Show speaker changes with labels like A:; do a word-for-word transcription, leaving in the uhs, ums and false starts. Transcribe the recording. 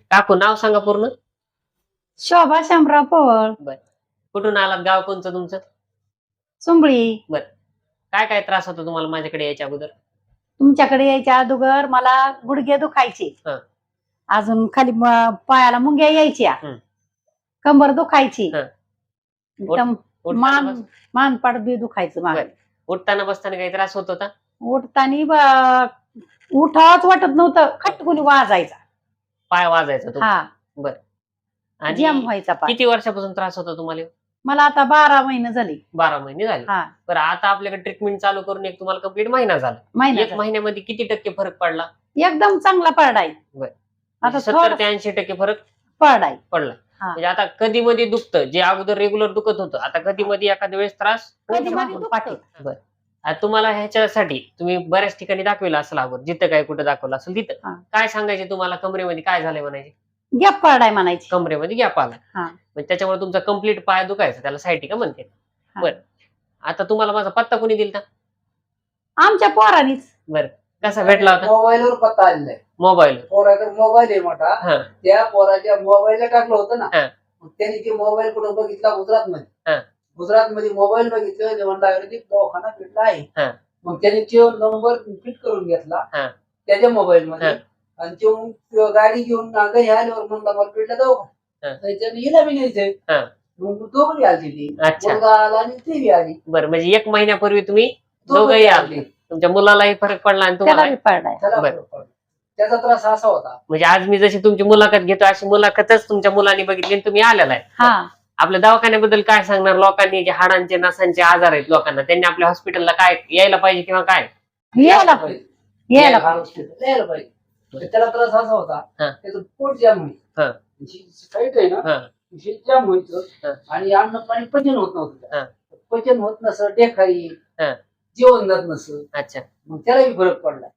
A: काकू नाव सांगा पूर्ण.
B: शोभा शामराव पवळ.
A: बर, कुठून आलात, गाव कोणचं तुमचं?
B: सुंबळी.
A: बर, काय काय त्रास होतो तुम्हाला माझ्याकडे यायच्या अगोदर?
B: तुमच्याकडे यायच्या अगोदर मला गुडघे दुखायचे,
A: हं.
B: अजून खाली म- पायाला मुंग्या यायच्या,
A: हं.
B: कंबर दुखायची,
A: हं.
B: एकदम
A: उठताना
B: मान
A: बस-
B: मानपाड बी दुखायचं मागे.
A: बर. उठताना बसताना काही त्रास होत होता?
B: उठताना उठावच वाटत नव्हतं, खटकुनी वाजायचा.
A: पाय वाजायचा तो?
B: हा,
A: बर. आणि
B: जॅम व्हायचा पाय.
A: किती वर्षापासून त्रास होता तुम्हाला?
B: मला आता बारा महिने झाले.
A: बारा महिने झाले.
B: हा,
A: बरं, आता आपल्याकडे ट्रीटमेंट चालू करून एक तुम्हाला कंप्लीट महिना झाला.
B: महिना
A: एक
B: झाला.
A: महिन्यामध्ये किती टक्के फरक पडला?
B: एकदम चांगला पडलाय.
A: बर.
B: आता
A: सत्तर
B: थोडा
A: ते ऐंशी टक्के फरक
B: पडलाय.
A: पडला.
B: हा.
A: म्हणजे आता कधी मध्ये दुखतं, जे अगोदर रेग्युलर दुखत होतं, आता कधी मध्ये एखाद्या वेळेस त्रास होऊ
B: कधी
A: शकतो.
B: मध्ये दुखतं.
A: बर. आता तुम्हाला ह्याच्यासाठी तुम्ही बऱ्याच ठिकाणी दाखविलं असेल अगोदर, जिथं काय कुठं दाखवलं असेल तिथं
B: हा.
A: काय सांगायचे तुम्हाला? कमरेमध्ये काय झालंय म्हणायचे?
B: गॅप पडलाय म्हणायची.
A: कमरेमध्ये गॅप आला.
B: हा.
A: म्हणजे त्याच्यामुळे तुमचा कम्प्लीट पाय दुखायचा, त्याला सायटिका म्हणते.
B: हा.
A: बर. आता तुम्हाला माझा पत्ता कोणी दिलता?
B: आमच्या पोरांनीच.
A: बर, कसा भेटला होता?
C: मोबाईलवर पत्ता आलेला आहे.
A: मोबाईल.
C: पोराकडे मोबाईल आहे मोठा,
A: हा.
C: त्या पोराच्या मोबाईलला टाकलं होतं ना,
A: हा.
C: मग त्याने ते मोबाईल कुठं बघितला? गुजरात मध्ये.
A: हा.
C: गुजरात मध्ये मोबाईल बघितलं, म्हणला आयुर्वेदिक दवाखाना भेटला आहे.
A: हा.
C: मग त्याने तो नंबर फिट करून घेतला
A: हा.
C: त्याच्या मोबाईल मध्ये,
A: हा.
C: आणि तो मग गाडी घेऊन घरी आल्यावर म्हणला मला पेटला
A: हा.
C: दवाखाना, त्याने हिला बी न्यायचंय.
A: हा.
C: मग दोघी आली ती,
A: अच्छा.
C: मुलगा आला आणि ती बी आली.
A: बरं, म्हणजे एक महिन्यापूर्वी तुम्ही
C: दोघंही
A: दोघंही
C: आले.
A: आले, तुमच्या मुलालाही फरक पडला आणि
B: त्याला
A: तुम्हाला.
B: बी पडलाय.
C: त्याला
A: बरं.
C: फरक पडला. त्याचा त्रास असा होता.
A: म्हणजे आज मी जशी तुमची मुलाखत घेतो अशी मुलाखतच तुमच्या मुलांनी बघितली आणि तुम्ही आलेला आहे.
B: हा,
A: आपल्या दवाखान्याबद्दल काय सांगणार लोकांनी, जे हाडांचे नसांचे आजार आहेत लोकांना, त्यांनी आपल्या हॉस्पिटलला काय यायला पाहिजे किंवा काय?
B: यायला
C: पाहिजे.
B: यायला
C: हा, हॉस्पिटलला यायला पाहिजे. तर त्याला त्रास असा होता,
A: हा.
C: त्याचं पोट जाम
A: हा.
C: व्हायचं, साईट आहे ना,
A: हा.
C: हे जाम व्हायचं,
A: हा.
C: आणि अन्न पाणी पचन होत
A: हा.
C: नव्हतं. पचन होत नसं, डेखाई,
A: हा.
C: जेवण जात नसं,
A: अच्छा.
C: मग त्यालाही फरक पडला.